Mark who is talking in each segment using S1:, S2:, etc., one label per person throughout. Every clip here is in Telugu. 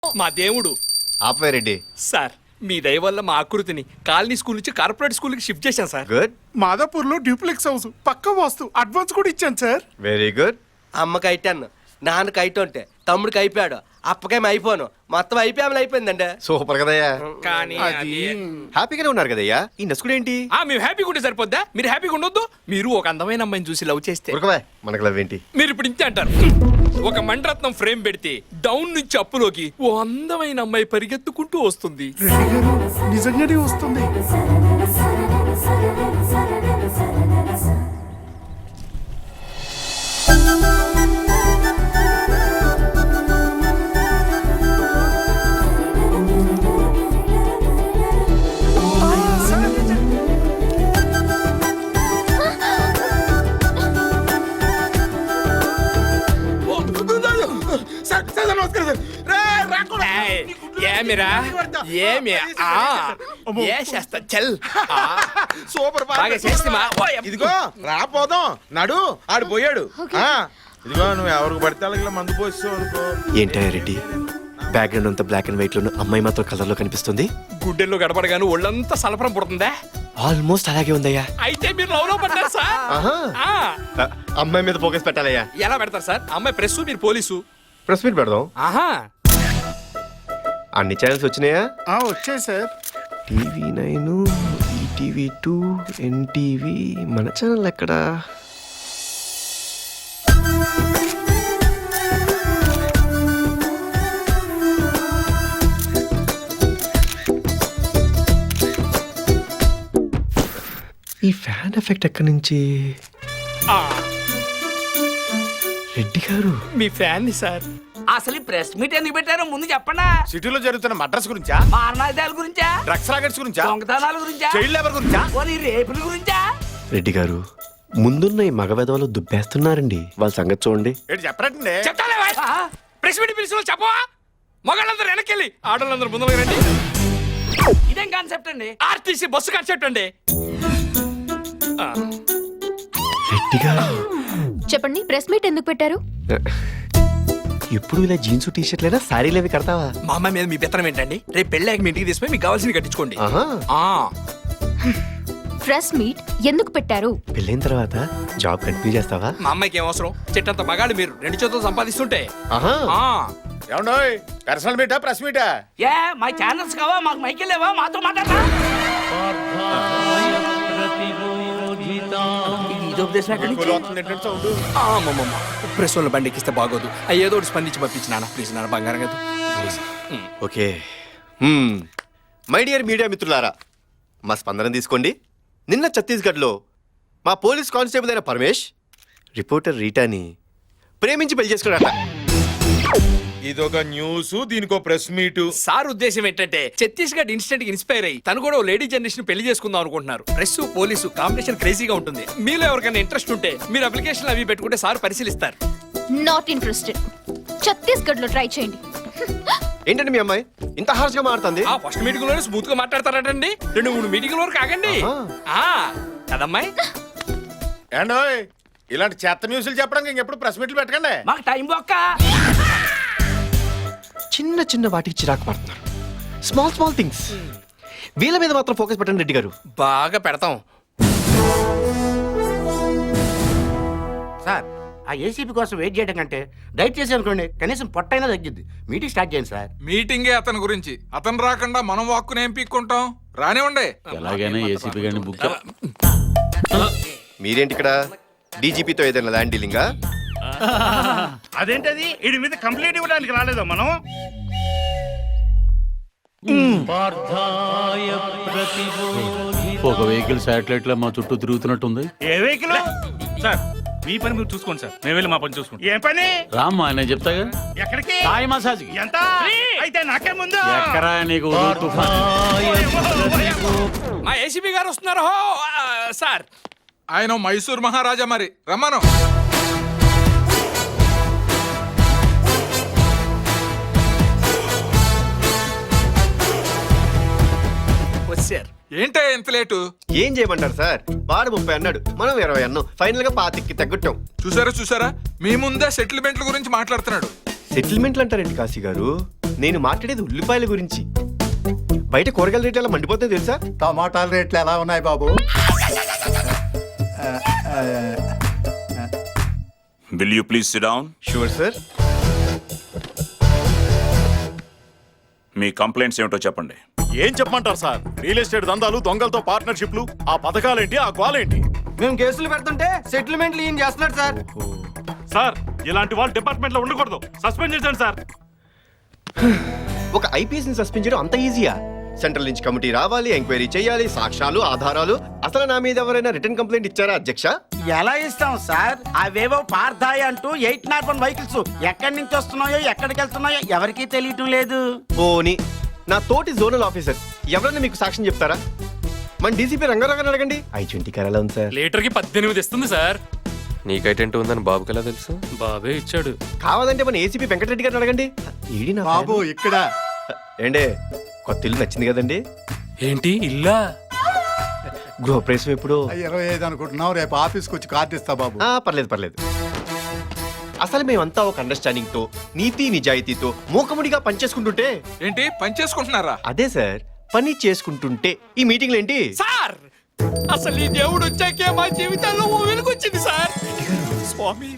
S1: మా దేవుడు
S2: ఆపవేరెడ్డి.
S1: సార్ మీ దయ వల్ల మా ఆకృతిని కాలనీ స్కూల్ నుంచి కార్పొరేట్ స్కూల్ కి షిఫ్ట్ చేశాను సార్.
S2: గుడ్,
S3: మాదాపూర్ లో డ్యూప్లెక్స్ హౌస్ పక్క వాస్తు అడ్వాన్స్ కూడా ఇచ్చాను సార్.
S2: Very good.
S4: అమ్మకి అయిటాను, నాన్నకి అయిటుంటే తమ్ముడికి అయిపోయాడు, అప్పకేమి అయిపోను, మొత్తం అయిపోయిందండి.
S2: సూపర్ కదయ్యా.
S1: కానీ
S3: అది
S2: హ్యాపీగానే ఉన్నారు కదయ్యా. ఈ నసుకుడు ఏంటి?
S1: మేము హ్యాపీగా ఉంటే సరిపోద్దా? మీరు హ్యాపీగా ఉండొద్దు. మీరు ఒక అందమైన అమ్మాయిని చూసి లవ్ చేస్తే
S2: ఉరకవా, మనకు లవ్ ఏంటి?
S1: మీరు ఇప్పుడు ఇంతే అంటారు. ఒక మణిరత్నం ఫ్రేమ్ పెడితే డౌన్ నుంచి అప్పులోకి ఓ అందమైన అమ్మాయి పరిగెత్తుకుంటూ వస్తుంది.
S3: రెడ్డి గారు నిజంగానే వస్తుంది.
S1: ఏమిరా ఏమి ఏ చేస్తా చల్
S5: సూపర్
S1: బాగా చేస్తామా?
S5: ఇదిగో రాపోదాం నడు ఆడు పోయాడు. ఇదిగో నువ్వు ఎవరికి పడితే అలాగే మందు పోస్తావు అనుకో.
S2: ఏంటయ్యా రెడ్డి, బ్యాక్గ్రౌండ్ అంతా బ్లాక్ అండ్ వైట్ లోను, అమ్మాయి మాత్రం కలర్ లో కనిపిస్తుంది.
S1: గుడ్డెల్లో గడపడగాను ఒళ్ళంతా సలపరం పుడుతుందా?
S2: ఆల్మోస్ట్ అలాగే ఉందయ్యా.
S1: అయితే మీరు లవ్ లో పడ్డారు సార్.
S2: ఆహా.
S1: ఆ,
S2: అమ్మాయి మీద ఫోకస్ పెట్టాలయ్యా.
S1: ఎలా పెడతారు సార్? అమ్మాయి ప్రెస్, మీరు పోలీసు.
S2: ప్రెస్ మీట్ పెడదాం.
S1: ఆహా,
S2: అన్ని ఛానల్స్ వచ్చినాయా?
S3: వచ్చాయి సార్.
S2: TV9, ETV2, NTV. మన ఛానల్ ఎక్కడా? ఈ ఫ్యాన్ ఎఫెక్ట్ ఎక్కడి నుంచి?
S1: ఆ,
S2: రెడ్డి గారు,
S1: మీ ఫ్యాన్ ని సార్.
S6: అసలు ఈ ప్రెస్ మీట్ ఎందుకు పెట్టారో ముందు చెప్పండా.
S5: సిటీలో జరుగుతున్న మడ్రస్ గురించా,
S6: మారణాయుధాల గురించా,
S5: డ్రగ్స్ రాకెట్స్ గురించా,
S6: దొంగతనాల గురించా,
S5: చైల్డ్ లేబర్ గురించా?
S6: పోనీ రేపుల గురించా?
S2: రెడ్డి గారు, ముందున్న ఈ మగవెదవలు దుబ్బేస్తున్నారండి. వాళ్ళ సంగతి చూడండి.
S5: ఏంటి చెప్పరండి?
S1: చెప్తాలే వాయ్. ప్రెస్ మీట్ పిలిచిన చెప్పవా? మగాళ్ళందరూ వెనకెళ్ళి ఆడవాళ్ళందరూ ముందుకు రండి.
S6: ఇదేం కాన్సెప్ట్ అండి?
S1: ఆర్టీసీ బస్సు కాన్సెప్ట్ అండి. ఆ,
S2: రెడ్డి గారు,
S7: చెప్పండి, ప్రెస్ మీట్ ఎందుకు పెట్టారు?
S2: ఎప్పుడు ఇలా జీన్స్ టీ షర్ట్లైనా శారీలు అవి కడతావా?
S1: మా అమ్మాయి మీద మీ పెత్తనం ఏంటండి? రేపు పెళ్ళాక మీ ఇంటికి తీసుకుని మీకు కావాల్సింది కట్టించుకోండి.
S2: ఆహా.
S1: ఆ,
S7: ప్రెస్ మీట్ ఎందుకు పెట్టారు?
S2: పెళ్ళైన తర్వాత జాబ్ కంటిన్యూ చేస్తావా?
S1: మా అమ్మాయికి ఏం అవసరం? చెట్టంత మగాళ్ళు మీరు 2 చేతులు సంపాదిస్తుంటే.
S2: ఆహా.
S1: ఆ,
S5: ఏమండోయ్, పర్సనల్ మీటా ప్రెస్ మీటా?
S6: ఏ మా ఛానల్స్ కావా, మాకు మైకి లేవా, మాతో మాట్లాడతా? ఇది ఉపదేశం ఎక్కడి నుంచి?
S5: సౌండ్
S1: అమ్మమ్మ ప్రెస్ వాళ్ళ బండి ఎక్కిస్తే బాగోదు. ఏదో ఒకటి స్పందించి పంపించి నాన్న ప్లీజ్, నాన్న బంగారం కదా please.
S2: Okay. My dear media మిత్రులారా, మా స్పందన తీసుకోండి. నిన్న ఛత్తీస్గఢ్లో మా పోలీస్ కానిస్టేబుల్ అయిన పరమేష్ రిపోర్టర్ రీటాని ప్రేమించి పెళ్లి చేసుకున్నాడట.
S5: ఇదొక న్యూస్, దీనికో ప్రెస్ మీటు.
S1: సార్ ఉద్దేశం ఏంటంటే ఛత్తీస్గఢ్ ఇన్సిడెంట్ కి ఇన్స్పైర్ అయ్యి తను కూడా లేడీ జనరేషన్ పెళ్లి చేసుకుందాం అనుకుంటున్నారు. ప్రెస్ పోలీసు కాంబినేషన్ క్రేజీగా ఉంటుంది. మీలో ఎవరికైనా ఇంట్రెస్ట్ ఉంటే మీరు అప్లికేషన్ అవి పెట్టుకుంటే సార్ పరిశీలిస్తారు.
S7: Not interested. ఛత్తీస్గఢ్ లో ట్రై చేయండి.
S2: ఏంటండి మీ అమ్మాయి ఇంత హార్ష్ గా మారుతుంది?
S1: ఆ ఫస్ట్ మీటింగ్ లోనే స్మూత్ గా మాట్లాడతారటండి. 2-3 మీటింగ్ వరకు ఆగండి. ఆ కదమ్మాయి.
S5: ఏండోయ్, ఇలాంటి చెత్త న్యూస్లు చెప్పడానికి ఇంకెప్పుడు ప్రెస్ మీట్లు పెట్టకండి.
S6: మాకు టైం బొక్క.
S2: చిన్న చిన్న వాటికి చిరాకు పడుతున్నారు. Small small things. వీళ్ళ మీద మాత్రం ఫోకస్ పెట్టండి రెడ్డి గారు.
S1: బాగా పెడతాం
S8: సార్. ఆ ఏసీపీ కోసం వెయిట్ చేయడం కంటే డైట్ చేసి అనుకోండి, కనీసం పొట్టైనా తగ్గిద్ది. మీటింగ్ స్టార్ట్ చేయండి సార్.
S9: మీటింగే అతని గురించి. అతను రాకుండా మనం వాక్కుని ఏం పీక్కుంటాం? రానివ్వండి.
S10: ఎలాగైనా ఏసీపీ గారిని బుక్
S2: మీరేంటి ఇక్కడ? డీజీపీతో ఏదైనా ల్యాండ్ డీలింగా?
S3: అదేంటది? వీడి మీద కంప్లైంట్ ఇవ్వడానికి రాలేదా మనం?
S10: ఒక వెహికల్ శాటిలైట్ లో మా చుట్టూ తిరుగుతున్నట్టుంది.
S3: ఏ వెహికల్? సార్ మీ పని మీరు చూసుకోండి సార్, మేము వెళ్ళి మా పని చూసుకుంటాం. ఏం పని?
S10: రామ్మా, నేను చెప్తాగా.
S3: ఎక్కడికి?
S10: Thai massage.
S3: ఎంత? అయితే నాకే ముందు.
S10: ఎక్కరా నీకు ఉదురు తుఫాన్.
S1: మా ఏసీపీ గారు వస్తున్నారు. సార్
S9: ఆయన మైసూర్ మహారాజా, మరి రమ్మను.
S1: వచ్చారు.
S9: ఏంటే ఎంత లేటు?
S2: ఏం చేయమంటారు సార్? వాడు 30 అన్నాడు, మనం 20 అన్నాం. ఫైనల్ గా 25కి తగ్గట్టాం.
S9: చూసారా మీ ముందే సెటిల్మెంట్ల గురించి మాట్లాడుతున్నాడు.
S2: సెటిల్మెంట్లు అంటారేంటి కాశీ గారు? నేను మాట్లాడేది ఉల్లిపాయల గురించి. బయట కూరగాయల రేట్లు ఎలా మండిపోతాయి తెలుసా?
S8: టమాటాల రేట్లు ఎలా ఉన్నాయి బాబు?
S11: Will you please sit down?
S2: Sure sir.
S11: మీ కంప్లైంట్స్ ఏమిటో చెప్పండి.
S3: ఏం చెప్పమంటారు సార్? రియల్ ఎస్టేట్ దందాలు, దొంగలతో పార్ట్నర్షిప్లు, ఆ పథకాలేంటి, ఆ గోలేంటి?
S4: మేము కేసులు పెడుతుంటే సెటిల్మెంట్లు ఈయన చేస్తున్నాడు సార్.
S3: సార్ ఇలాంటి వాళ్ళు డిపార్ట్మెంట్ లో ఉండకూడదు. సస్పెండ్ చేశాను సార్.
S2: ఒక ఐపీఎస్ ని సస్పెండ్ చేయడం అంత ఈజీయా? సెంట్రల్ నుంచి కమిటీ రావాలి, ఎంక్వైరీ చేయాలి, సాక్ష్యాలు, ఆధారాలు. అసలు నా మీద ఎవరైనా రిటర్న్ కంప్లైంట్ ఇచ్చారా అధ్యక్ష?
S8: ఎలా ఇస్తాం సార్? అవేవో పార్థాయి అంటూ 801 వెహికల్స్ ఎక్కడి నుంచి వస్తున్నాయో ఎక్కడికి వెళ్తున్నాయో ఎవరికీ తెలియటం లేదు.
S2: పోనీ నా తోటి జోనల్ ఆఫీసర్ ఎవరైనా మీకు సాక్ష్యం చెప్తారా? మన డీసీపీ రంగారావు గారిని అడగండి. I-20 కార్ ఎలా ఉంది సార్?
S1: లీటర్ కి 18 ఇస్తుంది సార్.
S4: నీకైటెంట్ ఉందని బాబుకి ఎలా తెలుసు?
S1: బాబే ఇచ్చాడు.
S2: కావాలంటే మన ఏసీపీ వెంకటరెడ్డి గారిని అడగండి. ఏడి నా
S8: బాబు
S2: ఫ్యాను.
S8: ఇక్కడ
S2: ఏండే కొత్త ఇల్లు నచ్చింది కదండి?
S1: ఏంటి ఇల్లా?
S2: గృహప్రవేశం ఎప్పుడు?
S8: 25 అనుకుంటున్నావు. రేపు ఆఫీస్కి వచ్చి కార్డు ఇస్తా బాబు.
S2: పర్లేదు పర్లేదు. అసలు మేమంతా ఒక అండర్స్టాండింగ్ తో, నీతి నిజాయితీతో మూకముడిగా పనిచేసుకుంటుంటే.
S9: ఏంటి పని చేసుకుంటున్నారా?
S2: అదే సార్, పని చేసుకుంటుంటే ఈ మీటింగ్లు ఏంటి
S1: సార్ అసలు ఈ దేవుడు వచ్చాకే మా జీవితాల్లో ఓ వెలుగొచ్చింది సార్. స్వామి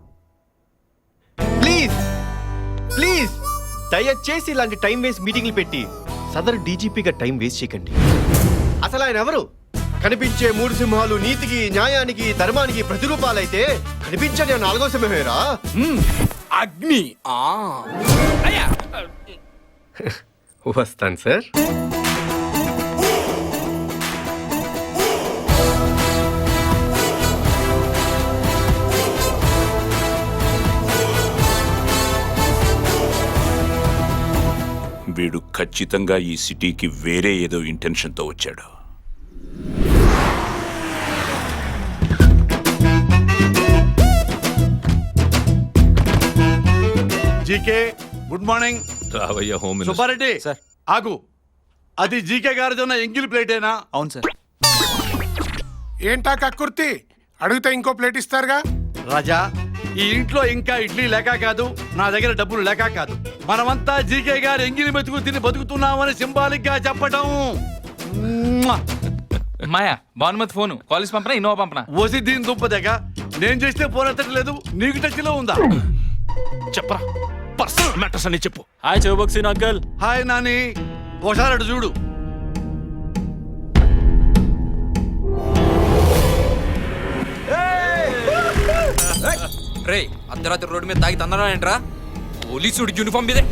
S2: ప్లీజ్ ప్లీజ్ దయచేసి ఇలాంటి టైం వేస్ట్ మీటింగ్లు పెట్టి సదరు డీజీపీగా టైం వేస్ట్ చేయకండి. అసలు ఆయన ఎవరు? కనిపించే 3 సింహాలు నీతికి, న్యాయానికి, ధర్మానికి ప్రతిరూపాలైతే కనిపించని 4వ సింహమేరా
S1: అగ్ని. అయ్యా
S2: వస్తాను సార్.
S11: వీడు ఖచ్చితంగా ఈ సిటీకి వేరే ఏదో ఇంటెన్షన్తో వచ్చాడు.
S3: GK good morning.
S9: రావయ్య హోమ్
S3: సుబ్బారెడ్డి ఆగు. అది జీకే గారిది ఉన్న ఎంగిల్ ప్లేటేనా?
S1: అవును సార్.
S5: ఏంటా కక్కుర్తి? అడిగితే ఇంకో ప్లేట్ ఇస్తారుగా.
S3: రాజా, ఈ ఇంట్లో ఇంకా ఇడ్లీ లేక కాదు, నా దగ్గర డబ్బులు లేక కాదు. మనమంతా జీకే గారు ఎంగిలి మెతుకు తిని బతుకుతున్నామని సింబాలిక్ గా చెప్పడం.
S1: మాయా భానుమతి ఫోను కాలేజ్ పంపనా ఇన్నోవా పంపనా?
S3: ఓసి దీని దుంపదగ. నేను చేస్తే ఫోన్ ఎత్తట్లేదు, నీకు టచ్ లో ఉందా?
S1: చెప్పరా పర్సనల్ మ్యాటర్స్ అని చెప్పు.
S10: హాయ్ చౌబక్సీన్ అంకల్.
S3: హాయ్ నాని, ఒకసారి అటు చూడు.
S1: రే అర్ధరాత్రి రోడ్డు మీద తాగి తందరా ఏంట్రా? పోలీసుడి యూనిఫామ్ మీదే.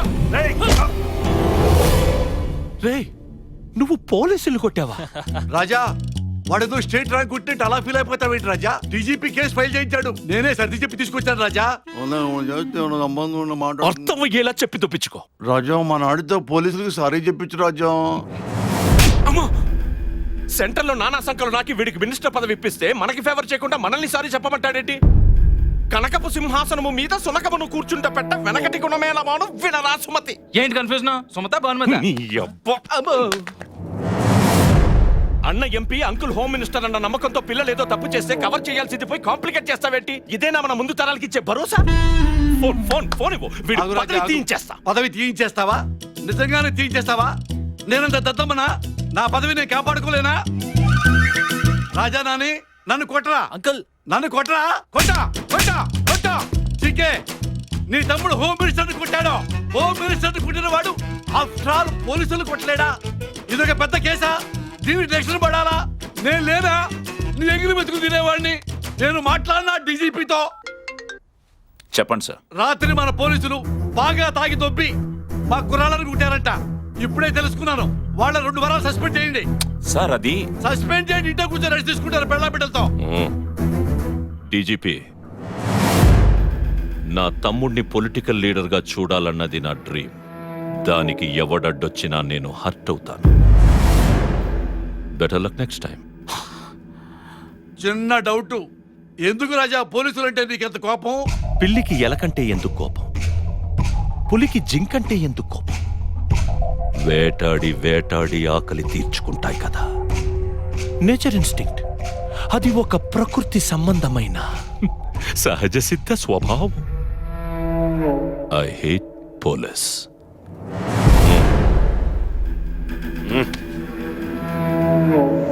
S3: రే నువ్వు పోలీసులు కొట్టావా? రాజా, వాడేదో స్టేట్ ర్యాంక్ కొట్టినట్టు అలా ఫీల్ అయిపోతావేంటి రాజా? డీజీపీ కేసు ఫైల్ చేయించాడు, నేనే సర్ది చెప్పి తీసుకొచ్చాను రాజా.
S1: అర్థం అయ్యేలా చెప్పి తప్పించుకో.
S3: రాజా, మన ఆడితో పోలీసులకు సారీ చెప్పించు రాజా.
S1: అమ్మా సెంటర్ లో నానా సంఖ్యలో నాకి వీడికి మినిస్టర్ పదవి ఇప్పిస్తే మనకి ఫేవర్ చేయకుండా మనల్ని సారీ చెప్పమంటాడేంటి? కనకపు సింహాసనము మీద సునకమును కూర్చుంట పెట్ట వెనకటి గుణమేలమాను వినరా సుమతి. ఏంటి కన్ఫ్యూజన్? సుమత భానుమతి? అన్న ఎంపీ, అంకుల్ హోమ్ మినిస్టర్ అన్న నమ్మకంతో పిల్లలు ఏదో తప్పు చేస్తే కవర్ చేయాల్సింది పోయి కాంప్లికేట్ చేస్తావేంటి? ఇదేనా మన ముందు తరాలకి ఇచ్చే భరోసా? ఫోన్ ఫోన్ ఫోన్ ఇవ్వు. వీడు
S3: ఆగు రాజా,
S1: పదవి
S3: ఆగు.
S1: తీయించేస్తా.
S3: పదవి తీయించేస్తావా? నిజంగానే తీయించేస్తావా? నేనంత దద్దమ్మనా? నా పదవి నేను కాపాడుకోలేనా? రాజా నాని, నన్ను కొట్టరా
S1: అంకుల్.
S3: నన్ను కొట్టరా. కొట్టా కొట్టా కొట్టా. చికే, నీ తమ్ముడు హోమ్ మినిస్టర్ కొట్టాడు. హోమ్ మినిస్టర్ కొట్టిన వాడు ఆఫ్టర్ ఆల్ పోలీసులు కొట్టలేడా? ఇదొక పెద్ద కేసా? దీనికి రక్షణ పడాలా? నేను లేదా? నీ ఎగిరి బతుకు తినేవాడిని. నేను మాట్లాడినా డీజీపీతో.
S11: చెప్పండి సార్.
S3: రాత్రి మన పోలీసులు బాగా తాగి దొబ్బి మా కుర్రాళ్ళని కుట్టారంట. ఇప్పుడే తెలుసుకున్నాను. వాళ్ళ 2 వారాలు సస్పెండ్ చేయండి.
S11: సార్ అది
S3: సస్పెండ్ చేయండి. ఇంట్లో కూర్చొని రెస్ట్ తీసుకుంటారు పెళ్ళ బిడ్డలతో.
S12: డీజీపీ, నా తమ్ముడిని పొలిటికల్ లీడర్గా చూడాలన్నది నా డ్రీమ్. దానికి ఎవడడ్డొచ్చినా నేను హర్ట్ అవుతాను. Better luck next time.
S3: చిన్న డౌట్, ఎందుకు రాజా పోలీసులు అంటే నీకెంత కోపం?
S12: పిల్లికి ఎలకంటే ఎందుకు కోపం? పులికి జింకంటే ఎందుకు కోపం? వేటాడి వేటాడి ఆకలి తీర్చుకుంటాయి కదా. Nature instinct. అది ఒక ప్రకృతి సంబంధమైన సహజ సిద్ధ స్వభావం. I hate police.